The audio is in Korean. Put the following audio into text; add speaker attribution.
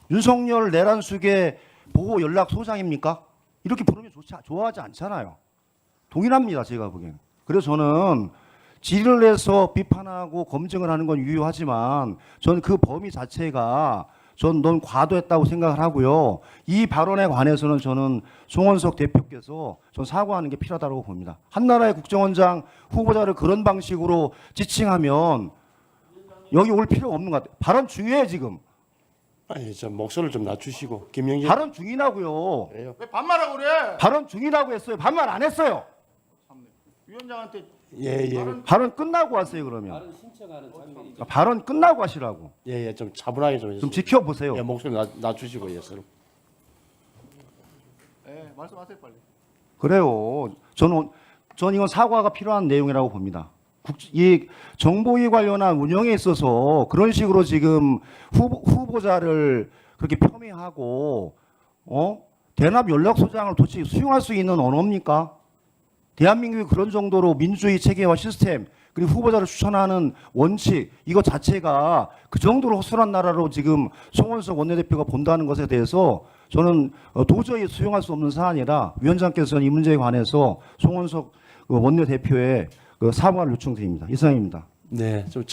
Speaker 1: 윤석열 내란숙의 보호 연락 소장입니까? 이렇게 부르면 좋아하지 않잖아요. 동일합니다, 제가 보기엔. 그래서 저는 질의를 해서 비판하고 검증을 하는 건 유효하지만 저는 그 범위 자체가 전 너무 과도했다고 생각을 하고요. 이 발언에 관해서는 저는 송원석 대표께서 전 사과하는 게 필요하다고 봅니다. 한나라의 국정원장 후보자를 그런 방식으로 지칭하면 여기 올 필요가 없는 것 같아요. 발언 중요해요, 지금.
Speaker 2: 아니, 저 목소리를 좀 낮추시고 김영진
Speaker 1: 발언 중이라고요.
Speaker 2: 그래요.
Speaker 3: 왜 반말하고 그래?
Speaker 1: 발언 중이라고 했어요. 반말 안 했어요.
Speaker 3: 위원장한테
Speaker 2: 예.
Speaker 1: 발언 끝나고 하세요, 그러면.
Speaker 4: 발언 신청하는 장면이
Speaker 1: 발언 끝나고 하시라고.
Speaker 2: 예, 좀 차분하게 좀 해주세요.
Speaker 1: 좀 지켜보세요.
Speaker 2: 예, 목소리 낮추시고 예, 서로.
Speaker 3: 예, 말씀하세요 빨리.
Speaker 1: 그래요. 저는 이건 사과가 필요한 내용이라고 봅니다. 이 정보위 관련한 운영에 있어서 그런 식으로 지금 후보자를 그렇게 폄훼하고 대납 연락소장을 도대체 수용할 수 있는 언어입니까? 대한민국이 그런 정도로 민주주의 체계와 시스템 그리고 후보자를 추천하는 원칙 이것 자체가 그 정도로 허술한 나라로 지금 송원석 원내대표가 본다는 것에 대해서 저는 도저히 수용할 수 없는 사안이라 위원장께서는 이 문제에 관해서 송원석 원내대표의 사과를 요청드립니다. 이상입니다.
Speaker 2: 네, 좀